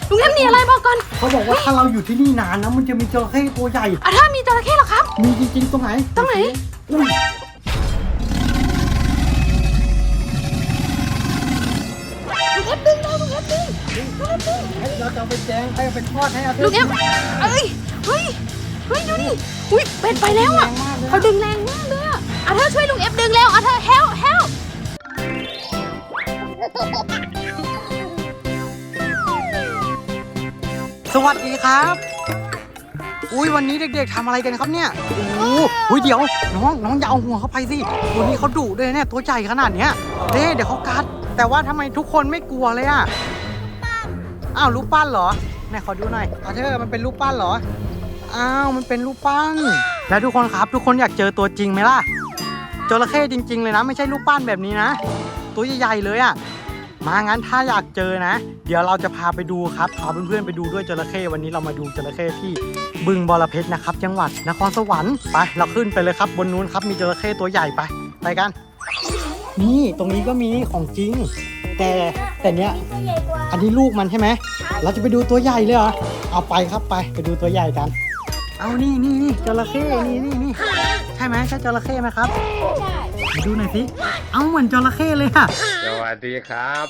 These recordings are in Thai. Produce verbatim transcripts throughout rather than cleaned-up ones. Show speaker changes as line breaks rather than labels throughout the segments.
ลุงเอฟหนีอะไรบอกก่อน
เขาบอกว่าถ้าเราอยู่ที่นี่นานนะมันจะมีจระเข้ตัวใหญ่
อ่ะถ้ามีจระเข้เหรอครับ
มีจริงๆตรงไหน
ตรงไหน
อุ้ย
ลุงเอฟดึงเราลุงเอฟดึง
เราจะเอาไปแจงให้เอาไปทอดให้อาเธอ
ลุงเอฟเอ้ยเฮ้ยเฮ้ยดูดิอุ้ยเป็นไปแล้วอ่ะเขาดึงแรงมากเลยอ่ะอ่ะเธอช่วยลุงเอฟดึงแล้วอ่ะเธอ help help
สวัสดีครับอุ้ยวันนี้เด็กๆทำอะไรกันครับเนี่ยโอ้โหเดี๋ยวน้องน้องอย่าเอาหัวเข้าไปสิวันนี้เขาดุด้วยเนี่ยตัวใหญ่ขนาดเนี้ยเด้เดี๋ยวเขากัดแต่ว่าทำไมทุกคนไม่กลัวเลยอ่ะอ้าวรูปปั้นเหรอไหนขอดูหน่อยอาเธอมันเป็นรูปปั้นเหรออ้าวมันเป็นรูปปั้นแล้วทุกคนครับทุกคนอยากเจอตัวจริงไหมล่ะจระเข้จริงๆเลยนะไม่ใช่รูปปั้นแบบนี้นะตัวใหญ่ๆเลยอ่ะมางั้นถ้าอยากเจอนะเดี๋ยวเราจะพาไปดูครับพาเพื่อนๆไปดูด้วยจระเข้วันนี้เรามาดูจระเข้ที่บึงบรเพชรนะครับจังหวัดนครสวรรค์ไปเราขึ้นไปเลยครับบนนู้นครับมีจระเข้ตัวใหญ่ไปไปกันนี่ตรงนี้ก็มีของจริงแต่แต่เนี้ยอันนี้ลูกมันใช่ไหมเราจะไปดูตัวใหญ่เลยเหรอเอาไปครับไปไปดูตัวใหญ่กันเอานี่นี่นี่จระเข้นี่นี่นี่ใช่ไหมใช่จระเข้ไหมครับดูหน่อยสิเอาเหมือนจระเข้เลยค่ะ
สวัสดีครับ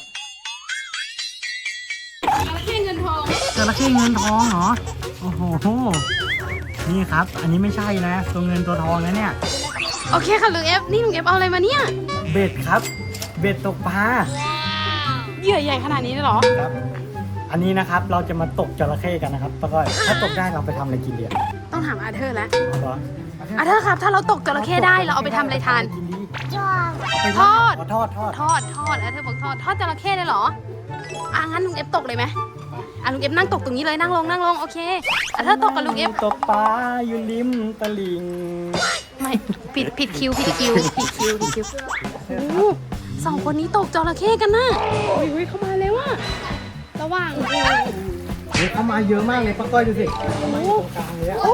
จระเข้เงินทอง
จระเข้เงินทองเหรอโอ้โหนี่ครับอันนี้ไม่ใช่นะตัวเงินตัวทองนะเนี่ย
โอเคค่ะลุงเอฟนี่ลุงเอฟเอาอะไรมาเนี่ย
เบ็ดครับเบ็ดตกปลา
เหยื่อใหญ่ขนาดนี้เลยเหรอ
ครับอันนี้นะครับเราจะมาตกจระเข้กันนะครับป้าก้อยถ้าตกได้เราไปทำอะไรกินดี
ต้องถามอาเธอร์แล้ว
เอาเหรอ
อาเธอร์ครับถ้าเราตกจระเข้ได้เราเอาไปทำอะไรทานทอด
ทอดทอด
ทอดทอดอาเธอร์บอกทอดทอดจระเข้เลยเหรออ่ะงั้นลุงเอฟตกเลยไหมอ่ะลุงเอฟนั่งตกตรงนี้เลยนั่งลงนั่งลงโอเคอาเธอร์ตกกับลุงเอฟ
ตกปลาอยู่ริมตลิ่ง
ไม่ผิดผิดคิวผิดคิวผิดคิวผิดคิวโอ้สองคนนี้ตกจระเข้กันนะเฮ้ยเขามาแล้วอะระหว่าง
เฮ้ยเขามาเยอะมากเลยป้าก้อยดูสิเขามาอยู่ตรงกลางเลยอะ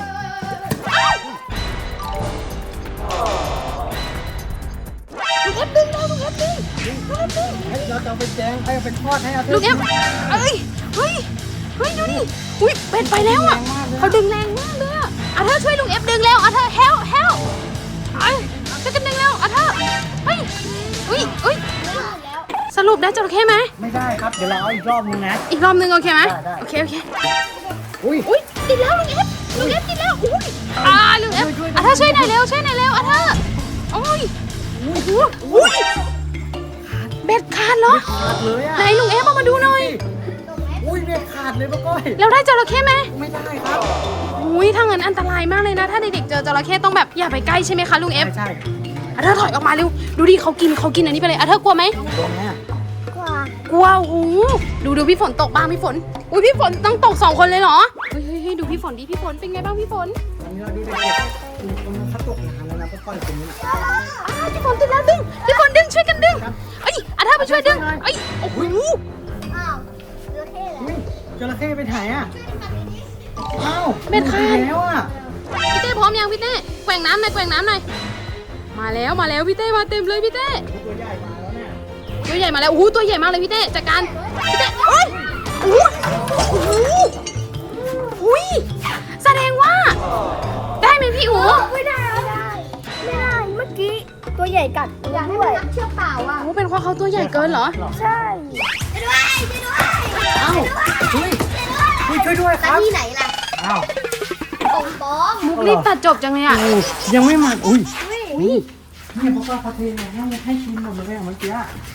ลุงเอฟดึงเราลุงเอฟดึง
เราจะเอาไปแจงให้เอาไปทอดให้อาเธอ
ลุงเอฟเอ้ยเฮ้ยเฮ้ยดูดิอุ้ยเป็นไปแล้วอ่ะเขาดึงแรงมากเลยอ่ะอาเธอช่วยลุงเอฟดึงแล้วอาเธอ help help ไอ้จะกันดึงแล้วอาเธอเฮ้ยอุ้ยอุ้ยสรุปได้จระเข้ไหม
ไม่ได้ครับเดี๋ยวเราเอาอีกรอบนึงนะ
อีกรอบนึงโอเคไหมโอเคโอเค
อุ้ย
อุ้ยติดแล้วลุงเอฟลุงเอฟติดแล้วอุ้ยอ่าลุงเอฟอาเธอช่วยหน่อยเร็วช่วยหน่อยเร็วอาเธอโอ้ยอุ้ยเบ็ดขาดเหรอ
ขาดเลยอ่ะ
ไหนลุงเอฟเอามาดูหน่อย
อุ้ยเบ็ดขาดเลยป้าก้อย
เราได้จระเข้ไหม
ไม่ได้ครับ
อุ้ยถ้างั้นอันตรายมากเลยนะถ้าเด็กๆเจอจระเข้ต้องแบบอย่าไปใกล้ใช่ไหมคะลุงเอฟ
ใช่
อาเธอถอยออกมาเร็วดูดิเขากินเขากินอันนี้ไปเลยอาเธอกลัวไหม
กลัวไหม
กลัวกลัวโอ้โหดูดูพี่ฝนตกบ้างพี่ฝนอุ้ยพี่ฝนต้องตกสองคนเลยเหรอเฮ้ยเฮ้ยดูพี่ฝนดิพี่ฝนเป็นไงบ้างพี่ฝน
อันนี้เราดูเด็กๆตรงนั้นเขาตกนานแล้วนะป้าก้อยตรงนี้นะ
อ่าพี่ฝนติดแล้วดึงพี่ฝนดึงช่วยกันดึงเอ้ยอาเธอไปช่วยดึงเอ้ยโอ้โห
อ้าวจระเข้เหรอ
จระเข้ไปไหนอ่ะอ้าว
เบ็ดขาด
แล้วอ่ะ
พี่เต้พร้อมยังพี่เต้แกว่งน้ำหน่อยแกว่งน้ำหน่อยมาแล้วมาแล้วพี่เต้มาเต็มเลยพี่เต้
ตัวใหญ่มาแล้วเนี่ย
ตัวใหญ่มาแล้วโอ้โหตัวใหญ่มากเลยพี่เต้จัดการพี่เต้โอ้ยโอ้โหอุ้ยแสดงว่าได้ไหมพี่อู๋
ไม่ได้ไม่ได้ไม่ได้เมื่อกี้ตัวใหญ่กัดอยากให้มันนักเชือกเปล่าอ่ะ
โอ้เป็นเพราะเขาตัวใหญ่เกินเหรอ
ใช่ช่วยด้วยช่วยด้วย
อ้าวช่วยช่วยด้วยครับ
ที่ไหนล่ะ
อ้าว
ปงปอง
มุกรีบตัดจบจังเลยอ่ะ
ยังไม่หมดอุ้ย
อุ้ย
นี่พวกเราเทนให้ให้ชิมหมดเลยเมื่อกี้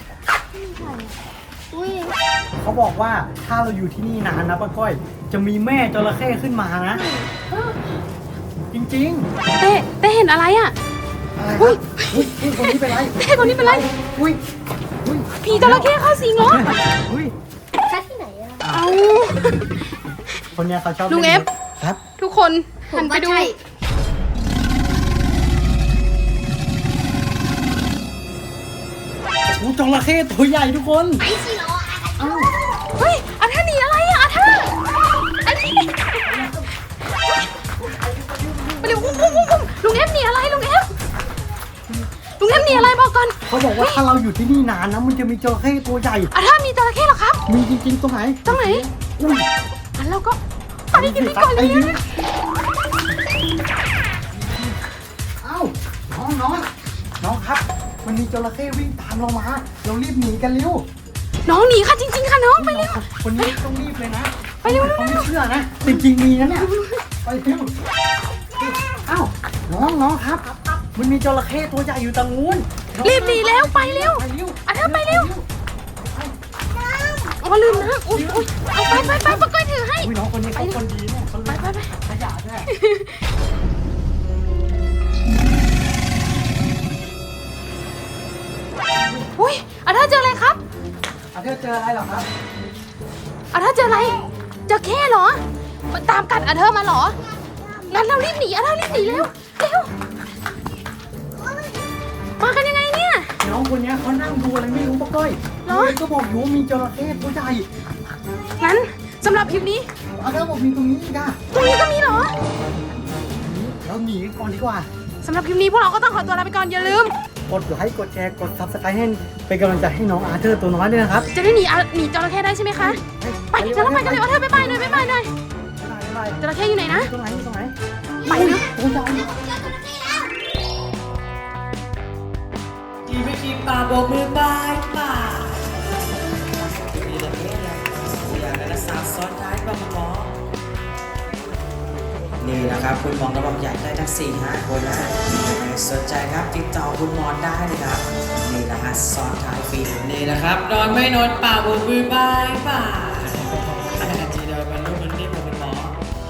อุ้ย
เขาบอกว่าถ้าเราอยู่ที่นี่นานนะป้าก้อยจะมีแม่จระเข้ขึ้นมานะจริง
ๆเต้เต้เห็นอะไรอ่ะ
อุ้ยอุ้ยคนนี้เป็นไร
เต้คนนี้เป็นไร
อุ้ยอุ้ย
ผีจระเข้เข้าสิงเหรอ
อุ้ย
แค่ที่ไหนอ่ะ
เอา
คนนี้เขาชอบ
ลุงเอฟ
ครับ
ทุกคนหันไปดู
โอ้จระเข้ตัวใหญ่ทุกคน
ไอ้สิเหรอ
อ้าว
เฮ้ยอาเธอหนีอะไรอ่ะอาเธออันนี้ไปเร็วอุ้มอุ้มอุ้มลุงเอฟหนีอะไรลุงเอฟลุงเอฟหนีอะไรบอกก่อน
เขาบอกว่าถ้าเราอยู่ที่นี่นานนะมันจะมีจระเข้ตัวใหญ่
อาเธอมีจระเข้เหรอครับ
มีจริงๆตรงไหน
ตรงไหน
อุ้ย
งั้นเราก็ไปกันดีกว่าเลย
เอ้าน้องน้องน้องครับมันมีจระเข้วิ่งตามเรามาเรารีบหนีกันเร็ว
น้องหนีค่ะจริงๆค่ะน้องไปเร็ว
คนนี้ต้องรีบเลยนะ
ไปเร็ว
เขาไม่เชื่อนะจริงๆมีนะเนี่ยไปเร็วเอ้าน้องน้องครับ มันมีจระเข้ตัวใหญ่อยู่ตรงนู้น
รีบหนีแล้วไปเร็ว
ไปเร็ว
อ่ะเธอไปเร็วอ๋อลืมนะอุ้ยอุ้ยเอาไปไปไปปะก้อยถือให้
อุ้ยน้องคนนี้เขาคนดีเนี่ยเขา
ไปไปไป
ขยะด้วย
อุ้ยอ่ะเธอเจออะไรครับ
อาเธอเจออะไรหรอครับ
อ่ะเธอเจออะไรเจอแค่เหรอมันตามกัดอ่ะเธอมาเหรองั้นเรารีบหนีอ่ะเธอรีบหนีเร็วเร็วมากันยังไงเนี่ย
น้องคนนี้เขานั่งดูอะไรไม่รู้ปะก้อย
เหรอ
ก็บอกอยู่ว่ามีจระเข้ตัวใหญ่
งั้นสำหรับคลิปนี้
อาเธอบอกมีตรงนี้อีกอ่ะ
ตรงนี้ก็มีเหรอ
เราหนีก่อนดีกว่า
สำหรับคลิปนี้พวกเราก็ต้องขอตัวลาไปก่อนอย่าลืม
กดไลค์กดแชร์กดซับสไครต์ให้เป็นกำลังใจให้น้องอาเธอร์ตัวน้อยด้วยนะครับ
จะได้หนีอ่ะหนีจระเข้ได้ใช่ไหมคะ ไปเดี๋ยวเราไปกันเลยว่าเธอไปไปหน่อยไปไปหน่อยจระเข้อยู่ไหนนะ
ตรงไหนตรงไหน
ไปเร็ว
ตรงไหน
ทีไม่คิดป่าโบกมือบายป่ามีแต่เพื่อนอยากได้สาวซ้อนท้ายบางหมอนี่นะครับคุณหมอก็บอกอยากได้ทั้งสี่ห้าคนนะสนใจครับติดต่อคุณหมอได้เลยครับนี่นะฮะซ้อนท้ายฟรีนี่นะครับนอนไม่นอนป่าโบกมือบายป่าทีเดียวมันรู้มันนี่ผมเป็นหมอ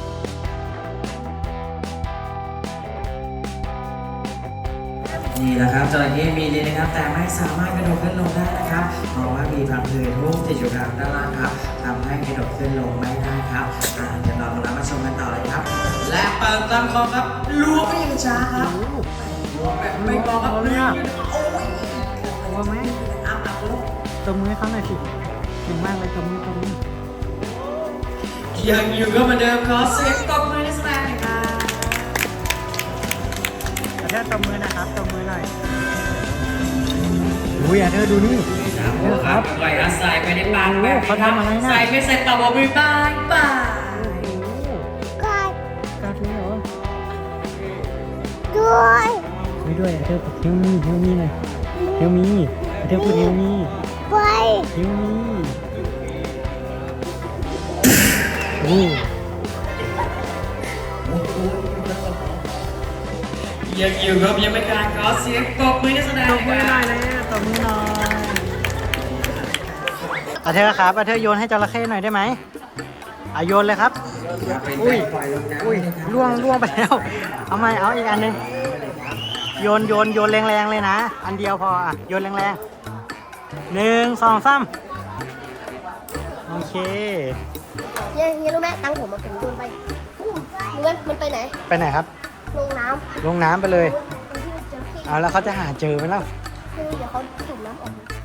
นี่แหละครับจระเข้มีดีนะครับแต่ไม่สามารถกระโดดขึ้นลงได้นะครับเพราะว่ามีพังผืดหุ้มติดอยู่กลางด้านล่างครับทำให้กระโดดขึ้นลงไม่ได้ครับอ่าเดี๋ยวเรามารับมาชมกันต่อเลยครับ และเปิดลำคอครับล้วงไปยังช้าครับล้วงแบบไม่มองครับล้วงอยู่โอ้ย
กลัวไหม
อ้าวอ้าวล้วง
ตบมือให้เขาหน่อยสิเก่งมากเลยตบมือตบมือ
ยังอยู่ก็เหมือนเดิมขอเสียงตบมือให้แสดงหน่อยครับ
อาเธอร์ตบมือนะครับตบมือหน่อยอุ้ยอาเธอร์ดูนี่
ครับปล่อยอาศัยไปในปากแบบนี้
เขาทำอะไรนะ
ใส่ไม่ใส่ต่อบอกมือบายบาย
กัด
กาด้วยเหรอ
ด้วย
ไม่ด้วยอาเธอร์เฮลมีเฮลมีหน่อยเฮลมีอาเธอร์พูดเฮลมี
ไป
เฮลมีโอ้
ยังอยู่ครับยังไม่กลารขอเสียงตบมือให้แสดง
ตบมือหน่อยเลยตบมือหน่อยอาเธอร์ครับอาเธอร์โยนให้จระเข้หน่อยได้ไหมอ่ะโยนเลยครับ อุ้ย อุ้ยล่วงล่วงไปแล้ว เอาไหมเอาอีกอันหนึงโยนโยนโยนแรงๆเลยนะ อันเดียวพออ่ะโยนแรงๆหนึ่งสองสามโอเค
เฮียเฮียรู้ไหมตังค์ผมมาผมโดนไปเงินมันไปไหน
ไปไหนครับ
ลงน้
ลงน้ำไปเลย
ำที่มันเจอขี้
เอาแล้วเขาจะหาเจอไหมล่ะ
คือเดี๋ยวเขาจุ่มน้ำออก